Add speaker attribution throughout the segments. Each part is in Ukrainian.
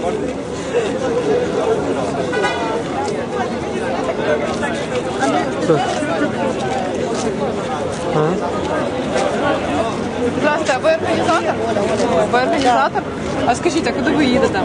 Speaker 1: Здравствуйте, а ви організатор? Ви організатор? А скажіть, а куди ви їдете?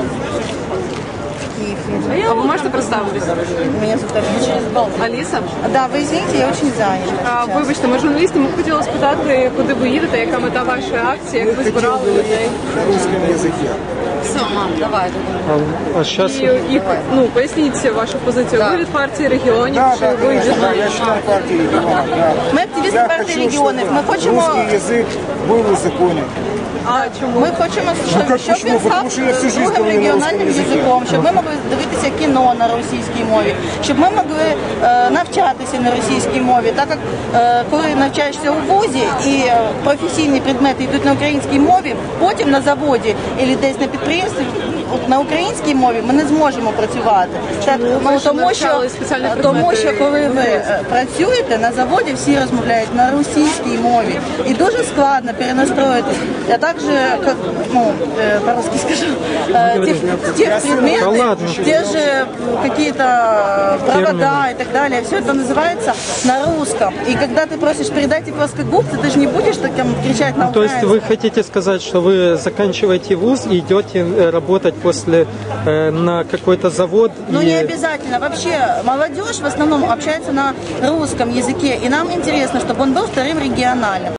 Speaker 1: А ви можете представитись?
Speaker 2: Меня зовут
Speaker 1: Аліса?
Speaker 2: Да, вы извините, я очень занята.
Speaker 1: Вибачте, ми журналісти, ми б хотіли спитати, куди ви їдете, яка мета вашої акції, як ви збирали людей?
Speaker 3: На русском языке.
Speaker 2: Все, мам, давай.
Speaker 4: А сейчас...
Speaker 1: І поясніть вашу позицію. Ви від партії регіонів,
Speaker 3: Да,
Speaker 1: чи
Speaker 3: да,
Speaker 1: ви
Speaker 3: конечно,
Speaker 1: від...
Speaker 3: да, я член партии регионов. Да.
Speaker 2: Мы активисты
Speaker 3: Я
Speaker 2: партии
Speaker 3: хочу,
Speaker 2: регионов.
Speaker 3: чтобы
Speaker 2: Мы хотим...
Speaker 3: русский язык был узаконен.
Speaker 1: А чому?
Speaker 2: Ми хочемо, щоб
Speaker 3: почему?
Speaker 2: він
Speaker 3: Потому що я всю
Speaker 2: став
Speaker 3: жизнь
Speaker 2: другим
Speaker 3: говорю на
Speaker 2: регіональним
Speaker 3: русском язикі.
Speaker 2: язиком, щоб ми могли дивитися кіно на російській мові, щоб ми могли навчатися на російській мові. Так як коли навчаєшся у вузі і професійні предмети йдуть на українській мові, потім на заводі або десь на підприємстві на українській мові ми не зможемо працювати. Так, тому що коли ви працюєте на заводі, всі розмовляють на російській мові. І дуже складно перенастроїтись. Я також, по-русски скажу, те предметы, те же какие-то провода и так далее, все это называется на русском. И когда ты просишь передать их плоскогубцы, ты же не будешь так кричать на
Speaker 4: То есть
Speaker 2: украинском.
Speaker 4: вы хотите сказать, что вы заканчиваете вуз и идете работать после на какой-то завод?
Speaker 2: Ну, не обязательно. Вообще, молодежь в основном общается на русском языке, и нам интересно, чтобы он был вторым региональным.